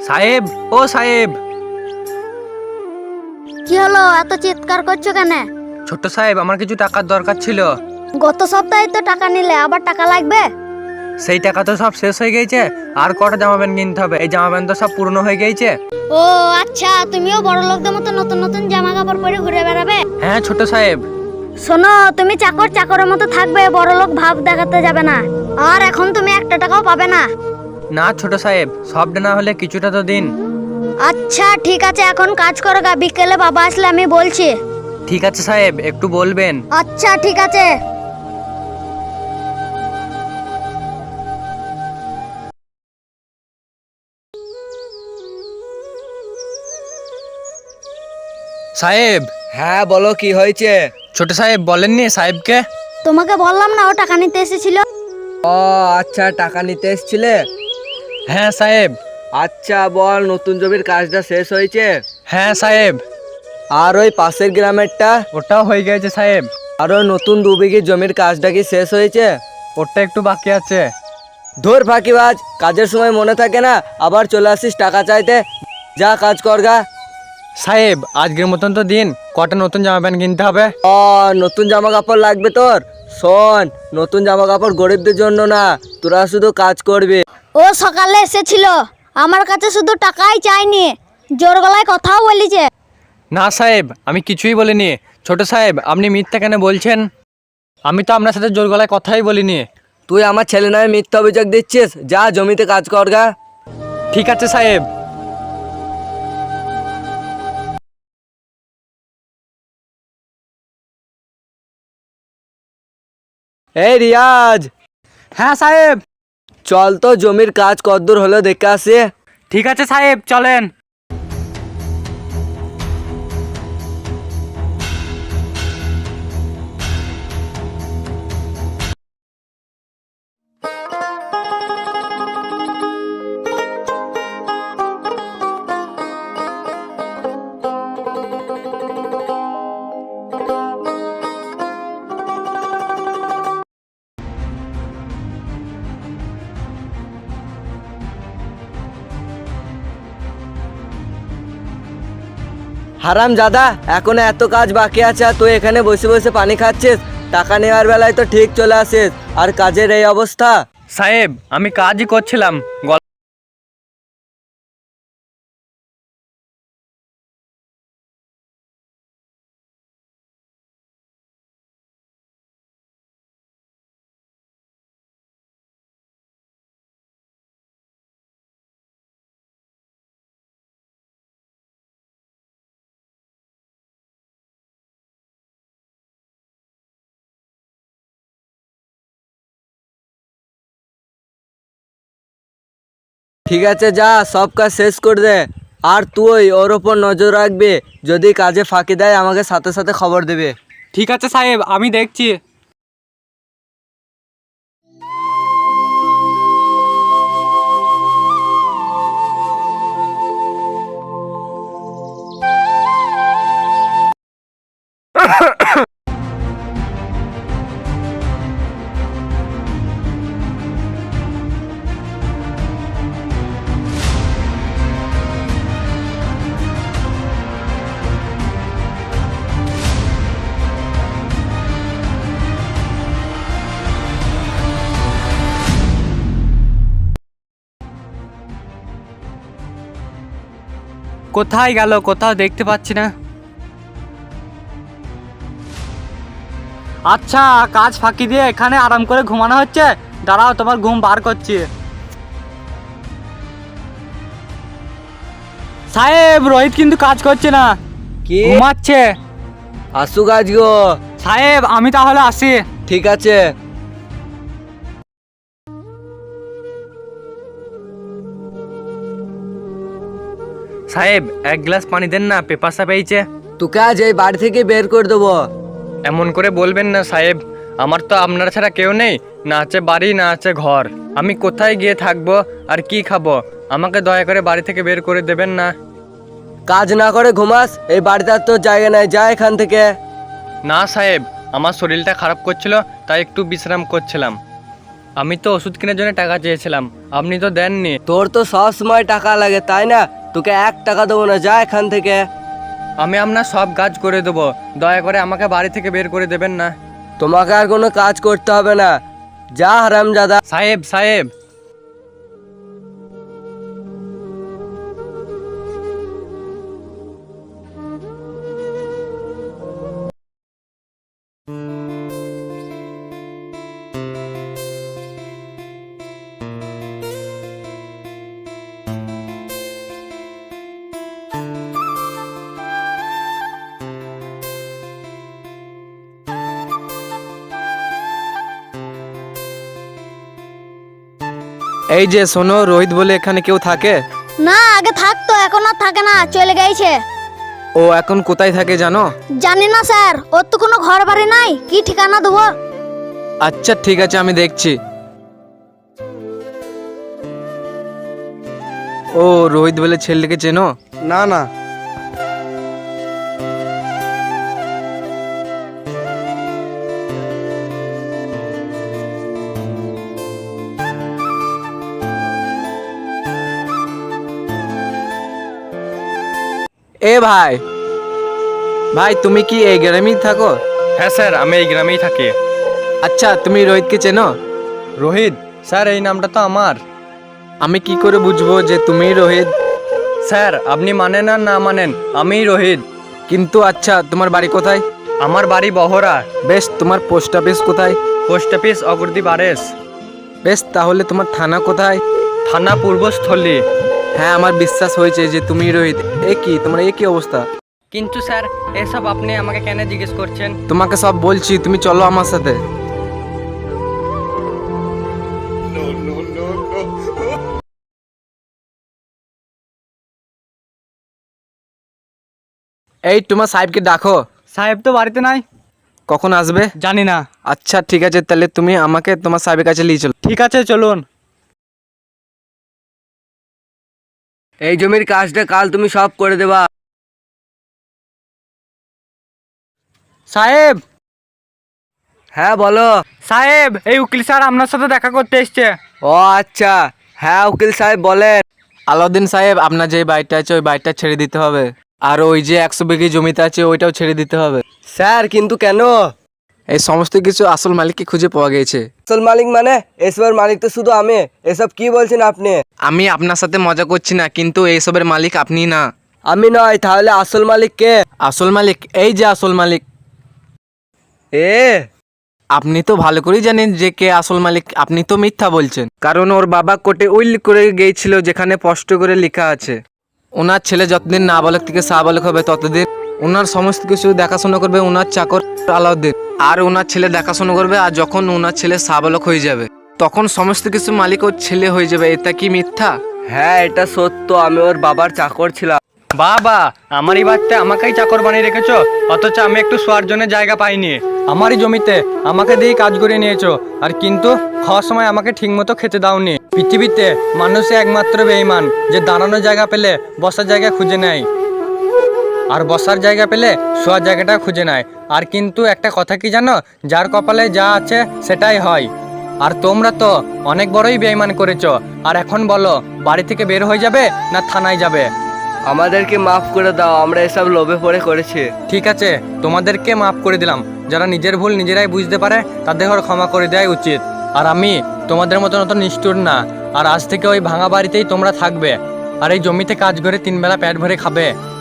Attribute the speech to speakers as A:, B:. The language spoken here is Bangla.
A: সাহেব, ও সাহেব।
B: কি হলো, এত চিৎকার করছো কেন?
A: ছোট্ট সাহেব, আমার কিছু টাকার দরকার ছিল।
B: গত সপ্তাহে তো টাকা নিলে, আবার টাকা লাগবে?
A: সেই টাকা তো সব শেষ হয়ে গেছে, আর কটা জামা প্যান্ট কিনতে হবে। এই জামা প্যান্ট তো সব পুরনো হয়ে গেছে।
B: ও আচ্ছা, তুমিও বড় লোকদের মতো নতুন নতুন জামা কাপড় পরে ঘুরে বেড়াবে?
A: হ্যাঁ ছোট সাহেব।
B: শোনো, তুমি চাকরের মতো থাকবে, বড় লোক ভাব দেখাতে যাবে না। আর এখন তুমি একটা টাকাও পাবে না।
A: না ছোট সাহেব, সবটা না হলে কিছুটা তো দিন।
B: আচ্ছা ঠিক আছে, এখন কাজ করো গা, বিকেলে বাবা আসলে আমি বলছি।
A: ঠিক আছে সাহেব, একটু বলবেন।
B: আচ্ছা ঠিক আছে।
A: সাহেব।
C: হ্যাঁ বলো, কি হয়েছে?
A: ছোট সাহেব বলেননি সাহেবকে?
B: তোমাকে বললাম না ও টাকা নিতে এসেছিল?
C: ও আচ্ছা, টাকা নিতে এসছিলে?
A: হ্যাঁ সাহেব।
C: আচ্ছা বল, নতুন জমির কাজটা শেষ হয়েছে?
A: হ্যাঁ সাহেব।
C: আর ওই পাশের গ্রামেরটা?
A: ওটাও হয়ে গেছে সাহেব।
C: আর ওই নতুন 2 বিঘি জমির কাজটা কি শেষ হয়েছে?
A: ওটা একটু বাকি আছে।
C: ধুর ফাঁকিবাজ, কাজের সময় মনে থাকে না, আবার চলে আসিস টাকা চাইতে। যা কাজ করগা।
A: সাহেব আজকের মতন তো দিন, কটা নতুন জামা প্যান্ট কিনতে হবে।
C: ও নতুন জামা কাপড় লাগবে তোর? শোন, নতুন জামা কাপড় গরিবদের জন্য না, তোরা শুধু কাজ করবি।
B: ও সকালে এসেছিল, আমার কাছে শুধু টাকাই চাইনি, জোর গলায় কথাও বলিছে।
A: না সাহেব, আমি কিছুই বলিনি। ছোট সাহেব, আপনি মিথ্যা কেন বলছেন? আমি তো আপনার সাথে জোর গলায় কথাই বলিনি।
C: তুই আমার ছেলে নামে মিথ্যা অভিযোগ দিচ্ছিস। যা জমিতে কাজ করগা।
A: ঠিক আছে সাহেব।
C: এই রিয়াজ,
A: হ্যাঁ সাহেব।
C: চল তো জমির কাজ কদ্দূর হলো দেখে আসি।
A: ঠিক আছে সাহেব, চলেন।
C: হারাম জাদা, এখনো এত কাজ বাকি আছে আর তুই এখানে বসে বসে পানি খাচ্ছিস। টাকা নেওয়ার বেলায় তো ঠিক চলে আসিস, আর কাজের এই অবস্থা।
A: সাহেব আমি কাজই করছিলাম।
C: ঠিক আছে, যা সব কাজ শেষ করে দে। আর তুই ওর ওপর নজর রাখবি, যদি কাজে ফাঁকি দেয় আমাকে সাথে সাথে খবর দেবে।
A: ঠিক আছে সাহেব, আমি দেখছি। কোথায় গেল, কোথাও দেখতে পাচ্ছি না। আচ্ছা, কাজ ফাঁকি দিয়ে এখানে আরাম করে ঘুমানো হচ্ছে। দাঁড়াও, তোমার ঘুম বার করছি। সাহেব, রোহিত কিন্তু কাজ করছে না,
C: কি?
A: ঘুমাচ্ছে।
C: আসু কাজ গো।
A: সাহেব আমি তাহলে আসি।
C: ঠিক আছে।
A: সাহেব এক গ্লাস পানি দেন না, পেপাসা পেয়েছে।
C: তোকে আজ এই বাড়ি থেকে বের করে দেবো।
A: এমন করে বলবেন না সাহেব, আমার তো আপনার ছাড়া কেউ নেই, না আছে বাড়ি না আছে ঘর। আমি কোথায় গিয়ে থাকবো আর কি খাবো? আমাকে দয়া করে বাড়ি থেকে বের করে দেবেন না।
C: কাজ না করে ঘুমাস, এই বাড়িতে আর তোর জায়গা নাই, যা এখান থেকে।
A: না সাহেব, আমার শরীরটা খারাপ করছিল, তাই একটু বিশ্রাম করছিলাম। আমি তো ওষুধ কেনার জন্য টাকা চেয়েছিলাম, আপনি তো দেননি।
C: তোর তো সব সময় টাকা লাগে তাই না? তোকে 1 টাকা দেবো না, যা এখান থেকে।
A: আমি আপনার সব কাজ করে দেবো, দয়া করে আমাকে বাড়ি থেকে বের করে দেবেন না।
C: তোমাকে আর কোনো কাজ করতে হবে না, যা হারামজাদা।
A: সাহেব সাহেব,
D: এই যে শোনো, রোহিত বলে এখানে কেউ থাকে?
B: না, আগে থাকতো, এখন আর থাকে না, চলে গেছে।
D: ও এখন কোথায় থাকে জানো?
B: জানি না স্যার, ওর তো কোনো ঘর বাড়ি নাই, কি ঠিকানা দেবো?
D: আচ্ছা ঠিক আছে, আমি দেখছি। ও রোহিত বলে ছেলেকে চেনো?
C: না না।
D: এ ভাই, ভাই তুমি কি এই গ্রামেই থাকো?
A: হ্যাঁ স্যার, আমি এই গ্রামেই থাকি।
D: আচ্ছা তুমি রোহিতকে চেনো?
A: রোহিত? স্যার এই নামটা তো আমার।
D: আমি কি করে বুঝবো যে তুমিই রোহিত?
A: স্যার আপনি মানেন আর না মানেন, আমিই রোহিত।
D: কিন্তু আচ্ছা তোমার বাড়ি কোথায়?
A: আমার বাড়ি বহরা।
D: বেশ, তোমার পোস্ট অফিস কোথায়?
A: পোস্ট অফিস অগ্রদী বারেস।
D: বেশ, তাহলে তোমার থানা কোথায়?
A: থানা পূর্বস্থলী।
D: হ্যাঁ, আমার বিশ্বাস হয়েছে যে তুমি রোহিত। এ কি তোমার এ কি অবস্থা?
A: কিন্তু স্যার এসব আপনি আমাকে কেন জিজ্ঞেস করছেন?
D: তোমাকে সব বলছি, তুমি চলো আমার সাথে। এই তোমার সাহেবকে ডাকো।
A: সাহেব তো বাড়িতে নাই।
D: কখন আসবে?
A: জানি না।
D: আচ্ছা ঠিক আছে, তাহলে তুমি আমাকে তোমার সাহেবের কাছে নিয়ে চলো।
A: ঠিক আছে চলুন।
C: এই জমির কাজটা কাল তুমি সব করে দেবা।
A: সাহেব,
C: হ্যাঁ বলো।
A: সাহেব এই উকিল স্যার আপনার সাথে দেখা করতে এসছে।
C: ও আচ্ছা, হ্যাঁ উকিল সাহেব বলেন।
D: আলাউদ্দিন সাহেব, আপনার যে বাড়িটা আছে ওই বাড়িটা ছেড়ে দিতে হবে, আর ওই যে 100 বিঘি জমিতে আছে ওইটাও ছেড়ে দিতে হবে।
C: স্যার কিন্তু কেন?
D: এই সমস্ত কিছু আসল মালিককে খুঁজে পাওয়া গেছে।
C: আসল মালিক মানে? এসবের মালিক তো শুধু আমি। এসব কি বলছেন আপনি?
D: আমি আপনার সাথে মজা করছি না, কিন্তু এইসবের মালিক আপনি না।
C: আমি নয়, তাহলে আসল মালিক কে?
D: আসল মালিক এই যে আসল মালিক।
C: এ
D: আপনি তো ভালো করেই জানেন যে কে আসল মালিক। আপনি তো মিথ্যা বলছেন, কারণ ওর বাবা কোর্টে উল্লেখ করে গিয়েছিল যেখানে স্পষ্ট করে লেখা আছে ওনার ছেলে যতদিন নাবালক থেকে সাবালক হবে ততদিন ওনার সমস্ত কিছু দেখাশোনা করবে ওনার চাকর আলাউদ্দিন, আর ওনার ছেলে দেখাশোনা করবে। আর যখন ওনার ছেলে সাবালক হয়ে যাবে তখন সমস্ত কিছু মালিক ওর ছেলে হয়ে যাবে। এটা কি মিথ্যা?
C: হ্যাঁ এটা সত্য, আমি ওর বাবার চাকর ছিলাম।
A: বাবা, আমারই বাড়িতে আমাকেই চাকর বানিয়ে রেখেছো, অথচ আমি একটু শোয়ার জন্য জায়গা পাইনি। আমারই জমিতে আমাকে দিয়ে কাজ করে নিয়েছো, আর কিন্তু খাওয়ার সময় আমাকে ঠিকমতো খেতে দাওনি। পৃথিবীতে মানুষই একমাত্র বেঈমান যে দাঁড়ানোর জায়গা পেলে বসার জায়গা খুঁজে নেয়, আর বসার জায়গা পেলে শোয়ার জায়গাটা খুঁজে নেয়। আর কিন্তু একটা কথা কি জানো, যার কপালে যা আছে সেটাই হয়। আর তোমরা তো অনেক বড়ই বেঈমান করেছো। আর এখন বলো, বাড়ি থেকে বের হয়ে যাবে না থানায় যাবে?
C: আমাদেরকে মাফ করে দাও, আমরা এসব লোভে পড়ে করেছি।
A: ঠিক আছে, তোমাদেরকে মাফ করে দিলাম। যারা নিজের ভুল নিজেরাই বুঝতে পারে তাদের ক্ষমা করে দেওয়াই উচিত। আর আমি তোমাদের মতন অত নিষ্ঠুর না। আর আজ থেকে ওই ভাঙা বাড়িতেই তোমরা থাকবে, আর এই জমিতে কাজ করে 3 বেলা পেট ভরে খাবে।